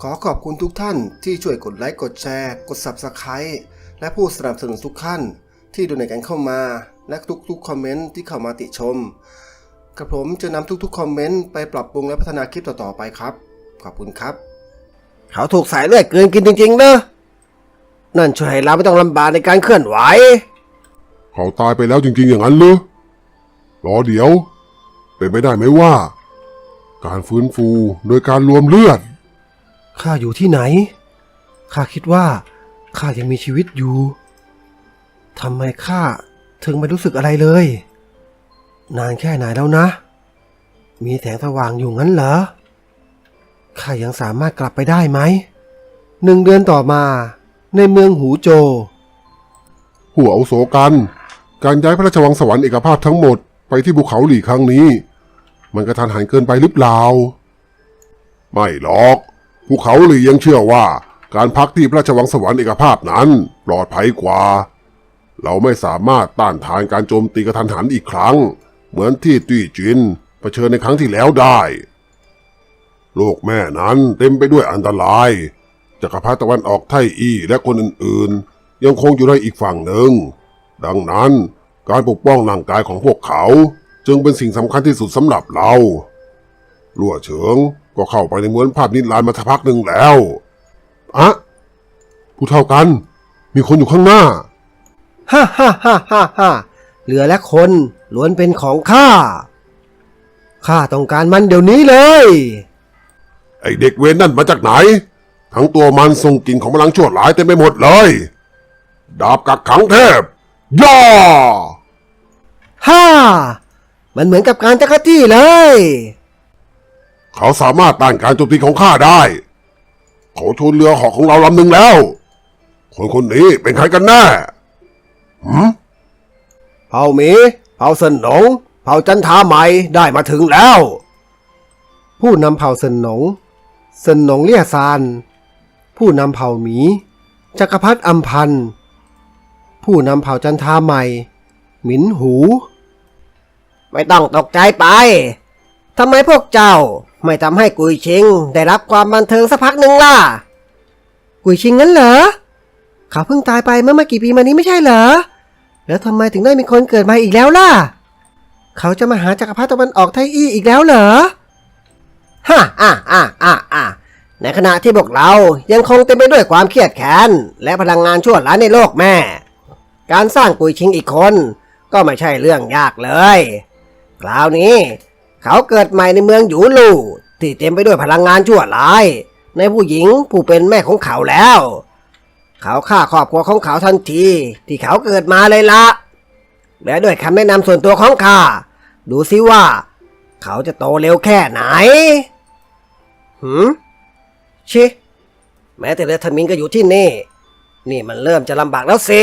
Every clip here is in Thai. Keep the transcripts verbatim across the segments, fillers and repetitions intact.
ขอขอบคุณทุกท่านที่ช่วยกดไลค์กดแชร์กด ซับสไครบ์ และผู้สนับสนุนทุกท่านที่ดูในกันเข้ามาและทุกๆคอมเมนต์ที่เข้ามาติชมกระผมจะนำทุกๆคอมเมนต์ไปปรับปรุงและพัฒนาคลิปต่อๆไปครับขอบคุณครับเขาถูกสายเลือดกลืนกินจริงๆเนอะนั่นช่วยให้เราไม่ต้องลำบากในการเคลื่อนไหวเขาตายไปแล้วจริงๆอย่างนั้นเหรอรอเดี๋ยวเป็นไปได้ไหมว่าการฟื้นฟูโดยการรวมเลือดข้าอยู่ที่ไหนข้าคิดว่าข้ายังมีชีวิตอยู่ทำไมข้าถึงไม่รู้สึกอะไรเลยนานแค่ไหนแล้วนะมีแสงสว่างอยู่งั้นเหรอข้ายังสามารถกลับไปได้ไหมหนึ่งเดือนต่อมาในเมืองหูโจหัวอาวุโสกันการย้ายพระราชวังสวรรค์เอกภาพทั้งหมดไปที่ภูเขาหลี่ครั้งนี้มันกระทันหันเกินไปหรือเปล่าไม่หรอกภูเขาหลี่ยังเชื่อว่าการพักที่พระราชวังสวรรค์เอกภาพนั้นปลอดภัยกว่าเราไม่สามารถต้านทานการโจมตีกระทันหันอีกครั้งเหมือนที่ตี้จินเผชิญในครั้งที่แล้วได้โลกแม่นั้นเต็มไปด้วยอันตรายจักรพรรดิตะวันออกไทอี้และคนอื่นๆยังคงอยู่ในอีกฝั่งหนึ่งดังนั้นการปกป้องร่างกายของพวกเขาจึงเป็นสิ่งสำคัญที่สุดสำหรับเราลั่วเฉิงก็เข้าไปในม้วนภาพนิรันดร์มาสักพักหนึ่งแล้วอะผู้เท่ากันมีคนอยู่ข้างหน้าฮ่าฮ่าฮ่าฮ่าฮ่าเรือและคนล้วนเป็นของข้าข้าต้องการมันเดี๋ยวนี้เลยไอเด็กเวรนั่นมาจากไหนทั้งตัวมันส่งกลิ่นของพลังชั่วร้ายเต็มไปหมดเลยดาบกักขังเทพย่าฮ่ามันเหมือนกับการจักรจี้เลยเขาสามารถต้านการโจมตีของข้าได้เขาชนเรือเหาะของเราลำหนึ่งแล้วคนคนนี้เป็นใครกันแน่หืมเผ่าหมีเผ่าเซินหนงเผ่าจันทาใหม่ได้มาถึงแล้วผู้นำเผ่าเซินหนงเซินหนงเลี่ยซานผู้นำเผ่าหมีจักรพรรดิอัมพันธ์ผู้นำเผ่าจันทาใหม่หมินหูไม่ต้องตกใจไปทำไมพวกเจ้าไม่ทำให้กุยชิงได้รับความบันเทิงสักพักหนึ่งล่ะกุยชิงงั้นเหรอเขาเพิ่งตายไปเมื่อไม่กี่ปีมานี้ไม่ใช่เหรอแล้วทำไมถึงได้มีคนเกิดมาอีกแล้วล่ะเขาจะมาหาจักรพรรดิตะวันออกไทอี้อีกแล้วเหรอฮ่าอ่าอ่าอ่าอ่าในขณะที่พวกเรายังคงเต็มไปด้วยความเครียดแค้นและพลังงานชั่วร้ายในโลกแม่การสร้างกุยชิงอีกคนก็ไม่ใช่เรื่องยากเลยคราวนี้เขาเกิดใหม่ในเมืองหยูลู่ที่เต็มไปด้วยพลังงานชั่วร้ายในผู้หญิงผู้เป็นแม่ของเขาแล้วเขาฆ่าครอบครัวของเขาทันทีที่เขาเกิดมาเลยละและด้วยคำแนะนำส่วนตัวของข้าดูซิว่าเขาจะโตเร็วแค่ไหนหืมชิแม้แต่เรือธมินก็อยู่ที่นี่นี่มันเริ่มจะลำบากแล้วสิ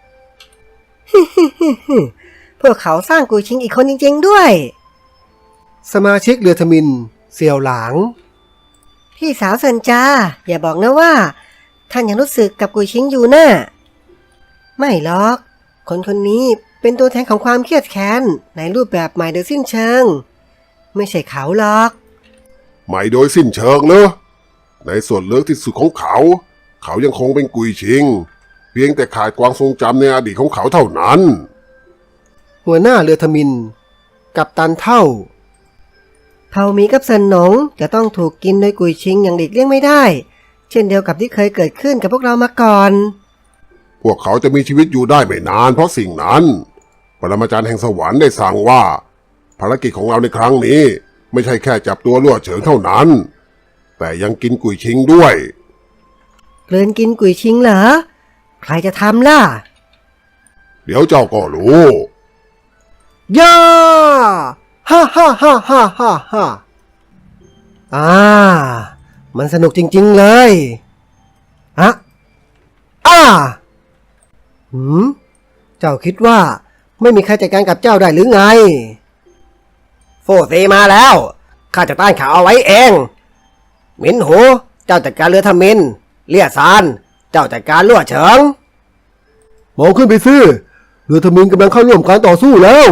พวกเขาสร้างกุยชิงอีกคนจริงๆด้วยสมาชิกเรือธมินเสี่ยวหลางพี่สาวเซินจาอย่าบอกนะว่าท่านยังรู้สึกกับกุยชิงอยู่น่ะไม่หรอกคนคนนี้เป็นตัวแทนของความเครียดแค้นในรูปแบบใหม่โดยสิ้นเชิงไม่ใช่เขาหรอกใหม่โดยสิ้นเชิงเนอะในส่วนลึกที่สุดของเขาเขายังคงเป็นกุยชิงเพียงแต่ขาดความทรงจำในอดีตของเขาเท่านั้นหัวหน้าเรือธมินกัปตันเท่าเผ่าหมีกับเซินหนงจะต้องถูกกินโดยกุยชิงอย่างหลีกเลี่ยงไม่ได้เช่นเดียวกับที่เคยเกิดขึ้นกับพวกเรามาก่อนพวกเขาจะมีชีวิตอยู่ได้ไม่นานเพราะสิ่งนั้นปรมาจารย์แห่งสวรรค์ได้สั่งว่าภารกิจของเราในครั้งนี้ไม่ใช่แค่จับตัวลั่วเฉิงเท่านั้นแต่ยังกินกุยชิงด้วยเกลืนกินกุยชิงเหรอใครจะทำล่ะเดี๋ยวเจ้าก็รู้ย่าฮ่าฮ่าฮ่าฮ่าฮ่าฮ่าอ่ามันสนุกจริงๆเลยอะอ้าหืมเจ้าคิดว่าไม่มีใครจัดการกับเจ้าได้หรือไงโฟซีมาแล้วข้าจะต้านเขาเอาไว้เองหมินหูเจ้าจัดการเรือธมินเลี่ยซานเจ้าจัดการลั่วเฉิงมองขึ้นไปสิเรือธมินกำลังเข้าร่วมการต่อสู้แล้ว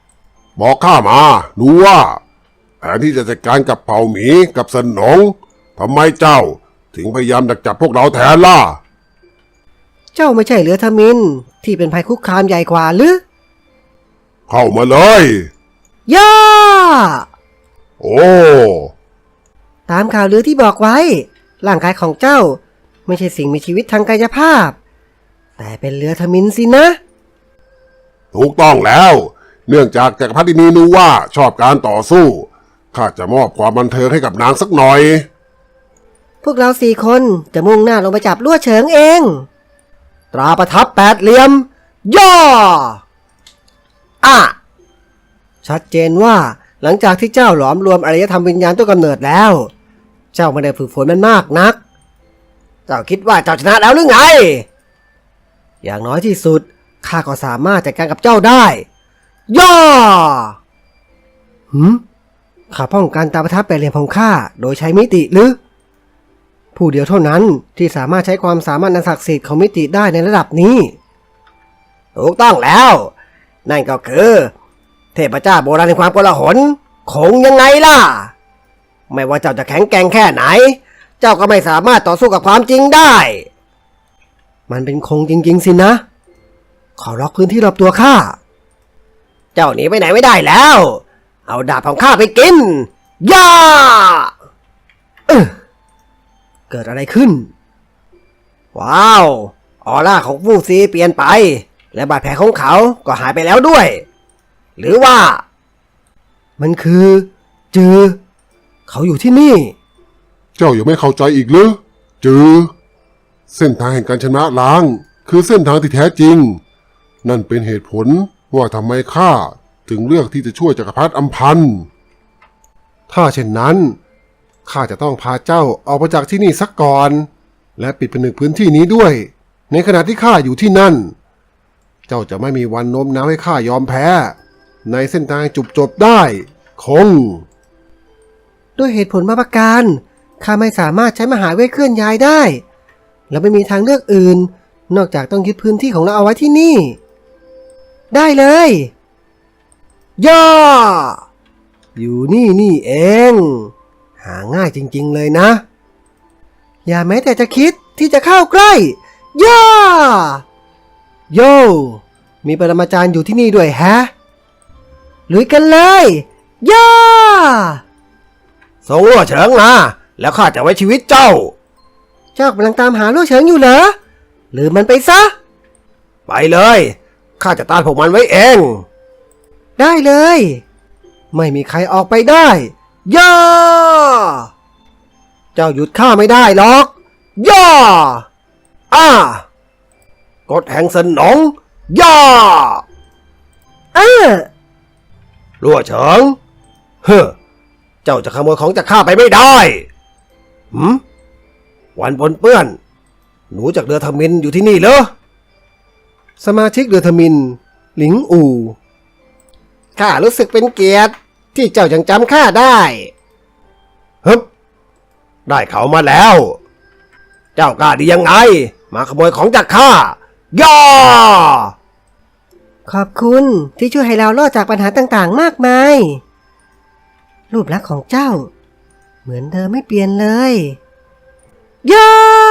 บอกข้ามาดูว่าแผนที่จะจัดการกับเผ่าหมีกับเซินหนงทำไมเจ้าถึงพยายามดักจับพวกเราแทนล่ะเจ้าไม่ใช่เรือทมินที่เป็นภัยคุกคามใหญ่กว่าหรือเข้ามาเลยย่าโอ้ตามข่าวลือที่บอกไว้ ร่างกายของเจ้าไม่ใช่สิ่งมีชีวิตทางกายภาพ แต่เป็นเรือทมินสินะถูกต้องแล้ว เนื่องจากจักรพรรดินีนูว่าชอบการต่อสู้ข้าจะมอบความบันเทิงให้กับนางสักหน่อยพวกเราสี่คนจะมุ่งหน้าลงไปจับลั่วเฉิงเอง ตราประทับแปดเหลี่ยม ย่ออ่ะชัดเจนว่าหลังจากที่เจ้าหลอมรวมอารยธรรมวิญญาณต้นกำเนิดแล้ว เจ้าไม่ได้ฝึกฝนมันมากนัก เจ้าคิดว่าเจ้าชนะแล้วหรือไง อย่างน้อยที่สุดข้าก็สามารถจัดการกับเจ้าได้ ย่อหืมข้าป้องกันตาประทับแปดเหลี่ยมของข้าโดยใช้มิติหรือ ผู้เดียวเท่านั้นที่สามารถใช้ความสามารถอันศักดิ์สิทธิ์ของมิติได้ในระดับนี้ ถูกต้องแล้ว นั่นก็คือเทพเจ้าโบราณแห่งความโกลาหลคงยังไงล่ะ ไม่ว่าเจ้าจะแข็งแกร่งแค่ไหน เจ้าก็ไม่สามารถต่อสู้กับความจริงได้ มันเป็นคงจริงๆสินะ ขอล็อกพื้นที่รอบตัวข้า เจ้าหนีไปไหนไม่ได้แล้ว เอาดาบของข้าไปกิน ย่าเอ้อเกิดอะไรขึ้น ว้าว ออร่าของฟู่ซีเปลี่ยนไป และบาดแผลของเขาก็หายไปแล้วด้วย หรือว่า มันคือจือเขาอยู่ที่นี่เจ้ายังไม่เข้าใจอีกเหรอจือเส้นทางแห่งการชนะล้าง คือเส้นทางที่แท้จริง นั่นเป็นเหตุผลว่าทำไมข้าถึงเลือกที่จะช่วยจักรพรรดิอัมพันธ์ถ้าเช่นนั้นข้าจะต้องพาเจ้าออกไปจากที่นี่สักก่อน และปิดผนึกพื้นที่นี้ด้วย ในขณะที่ข้าอยู่ที่นั่น เจ้าจะไม่มีวันโน้มน้าวให้ข้ายอมแพ้ ในเส้นทางจุบจบได้คงด้วยเหตุผลมาประการข้าไม่สามารถใช้มหาเวทเคลื่อนย้ายได้ และไม่มีทางเลือกอื่น นอกจากต้องยึดพื้นที่ของเราเอาไว้ที่นี่ ได้เลย ย่ออยู่นี่นี่เอง หาง่ายจริงๆเลยนะ อย่าแม้แต่จะคิดที่จะเข้าใกล้ ย่าโย่มีปรมาจารย์อยู่ที่นี่ด้วยแฮะลุยกันเลย ย่าส่งลั่วเฉิงมาแล้วข้าจะไว้ชีวิตเจ้า เจ้ากำลังตามหาลั่วเฉิงอยู่เหรอหรือมันไปซะ ไปเลยข้าจะต้านพวกมันไว้เอง ได้เลย ไม่มีใครออกไปได้ ย่าเจ้าหยุดข้าไม่ได้หรอก ย่าอ้ากฎแห่งสนอง ย่าอ้าลั่วเฉิงเฮ้อเจ้าจะขโมยของจากข้าไปไม่ได้หืมวันปนเปื้อนหนูจากเรือทมินอยู่ที่นี่เหรอสมาชิกเรือทมินหลิงอู่ข้ารู้สึกเป็นเกียรติที่เจ้ายังจำข้าได้ฮึบได้เขามาแล้ว เจ้ากล้าดียังไงมาขโมยของจากข้าย่าขอบคุณที่ช่วยให้เรารอดจากปัญหาต่างๆมากมายรูปลักษณ์ของเจ้าเหมือนเดิมไม่เปลี่ยนเลยย่า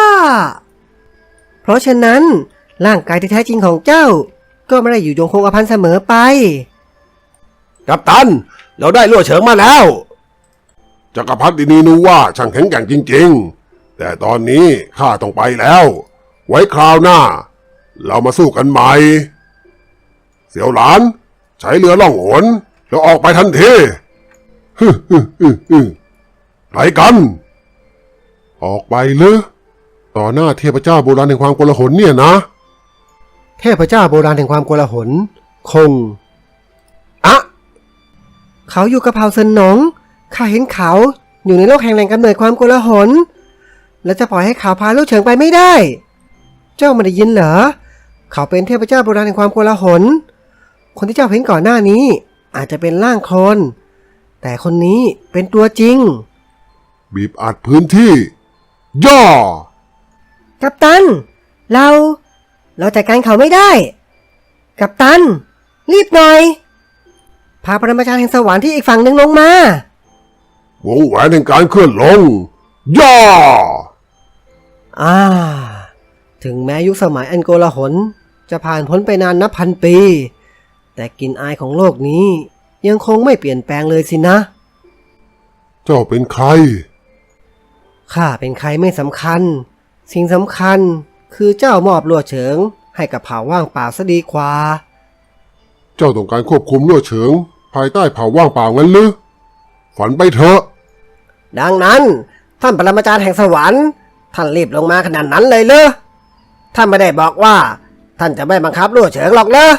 เพราะฉะนั้นร่างกายที่แท้จริงของเจ้าก็ไม่ได้อยู่ยงคงกระพันเสมอไปกัปตันเราได้ลั่วเฉิงมาแล้วจักรพรรดินีนูว่าช่างแข็งแกร่งจริงๆแต่ตอนนี้ข้าต้องไปแล้ว ไว้คราวหน้าเรามาสู้กันใหม่เสี่ยวหลานใช้เรือล่องหนแล้วออกไปทันทีฮึฮึฮึฮึไปกันออกไปเลยต่อหน้าเทพเจ้าโบราณแห่งความโกลาหลเนี่ยนะเทพเจ้าโบราณแห่งความโกลาหลคงอะเขาอยู่กับเผ่าเซินหนงข้าเห็นเขาอยู่ในโลกแห่งแหล่งกำเนิดความโกลาหลและจะปล่อยให้เขาพาลู่เฉิงไปไม่ได้เจ้าไม่ได้ยินเหรอเขาเป็นเทพเจ้าโบราณแห่งความโกลาหลคนที่เจ้าเห็นก่อนหน้านี้อาจจะเป็นร่างโคลนแต่คนนี้เป็นตัวจริงบีบอัดพื้นที่ย่อกัปตันเราเราจัดการเขาไม่ได้กัปตันรีบหน่อยพาปรมาจารย์แห่งสวรรค์ที่อีกฝั่งหนึ่งลงมาวงแหวนแห่งการเคลื่อนลงย่าอ่า ถึงแม้ยุคสมัยอันโกลาหลจะผ่านพ้นไปนานนับพันปี แต่กลิ่นอายของโลกนี้ยังคงไม่เปลี่ยนแปลงเลยสินะเจ้าเป็นใครข้าเป็นใครไม่สำคัญ สิ่งสำคัญคือเจ้ามอบลั่วเฉิงให้กับเผ่าว่างเปล่าซะดีกว่าเจ้าต้องการควบคุมลั่วเฉิง ภายใต้เผ่าว่างเปล่างั้นหรือฝันไปเถอะดังนั้นท่านปรมาจารย์แห่งสวรรค์ท่านรีบลงมาขนาดนั้นเลยเหรอท่านไม่ได้บอกว่าท่านจะไม่บังคับลั่วเฉิงหรอกเหรอ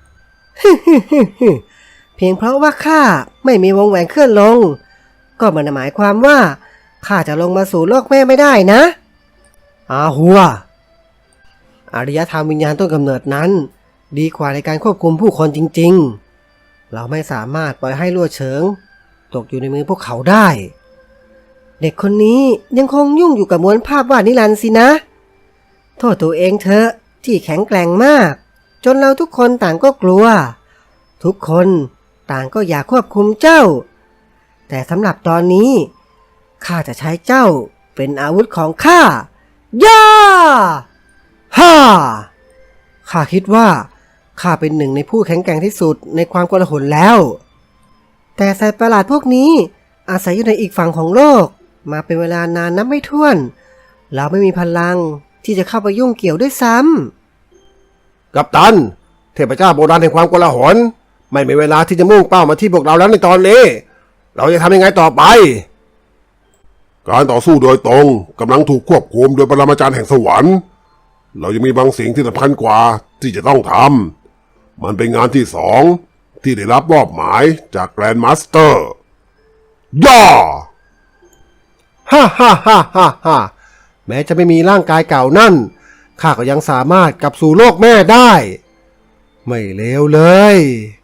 เพียงเพราะว่าข้าไม่มีวงแหวนเคลื่อนลง ก็ไมันหมายความว่าข้าจะลงมาสู่โลกแม่ไม่ได้นะอาหัวอารยธรรมวิญญาณต้นกำเนิดนั้นดีกว่าในการควบคุมผู้คนจริงๆ เราไม่สามารถปล่อยให้ลั่วเฉิงตกอยู่ในมือพวกเขาได้ เด็กคนนี้ยังคงยุ่งอยู่กับม้วนภาพวาดนิรันดร์สินะ โทษตัวเองเถอะที่แข็งแกร่งมาก จนเราทุกคนต่างก็กลัว ทุกคนต่างก็อยากควบคุมเจ้า แต่สำหรับตอนนี้ข้าจะใช้เจ้าเป็นอาวุธของข้าย่าฮ่าข้าคิดว่าข้าเป็นหนึ่งในผู้แข็งแกร่งที่สุดในความโกลาหลแล้ว แต่สัตว์ประหลาดพวกนี้อาศัยอยู่ในอีกฝั่งของโลกมาเป็นเวลานานนับไม่ถ้วนเราไม่มีพลังที่จะเข้าไปยุ่งเกี่ยวด้วยซ้ำกัปตัน เทพเจ้าโบราณแห่งความโกลาหลไม่มีเวลาที่จะมุ่งเป้ามาที่พวกเราแล้วในตอนนี้ เราจะทำยังไงต่อไปการต่อสู้โดยตรงกำลังถูกควบคุมโดยปรมาจารย์แห่งสวรรค์ เรายังมีบางสิ่งที่สำคัญกว่าที่จะต้องทำมันเป็นงานที่สองที่ได้รับมอบหมายจากแกรนด์มาสเตอร์ย่าฮ่าฮ่าฮ่าฮ่าฮ่าแม้จะไม่มีร่างกายเก่านั่นข้าก็ยังสามารถกลับสู่โลกแม่ได้ ไม่เลวเลย